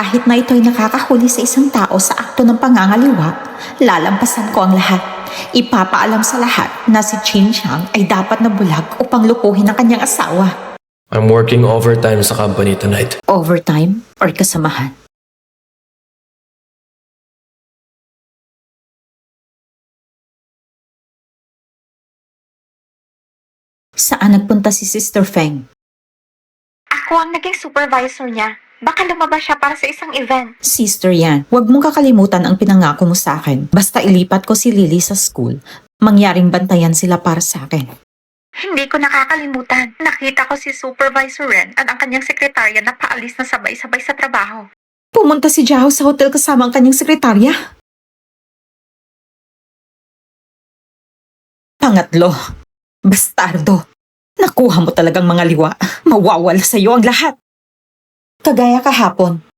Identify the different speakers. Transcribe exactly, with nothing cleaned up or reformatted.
Speaker 1: Kahit na ito'y nakakahuli sa isang tao sa akto ng pangangaliwa, lalampasan ko ang lahat. Ipapaalam sa lahat na si Chin Chang ay dapat na bulag upang lukuhin ang kanyang asawa.
Speaker 2: I'm working overtime sa company tonight.
Speaker 1: Overtime or kasamahan? Saan nagpunta si Sister Feng?
Speaker 3: Ako ang naging supervisor niya. Baka lumabas siya para sa isang event.
Speaker 1: Sister Yan, huwag mong kakalimutan ang pinangako mo sa akin. Basta ilipat ko si Lily sa school, mangyaring bantayan sila para sa akin.
Speaker 3: Hindi ko nakakalimutan. Nakita ko si Supervisor Ren at ang kanyang sekretarya na paalis na sabay-sabay sa trabaho.
Speaker 1: Pumunta si Jao sa hotel kasama ang kanyang sekretarya. Pangatlo, bastardo. Nakuha mo talagang mga liwa. Mawawala sa iyo ang lahat. Kagaya kahapon,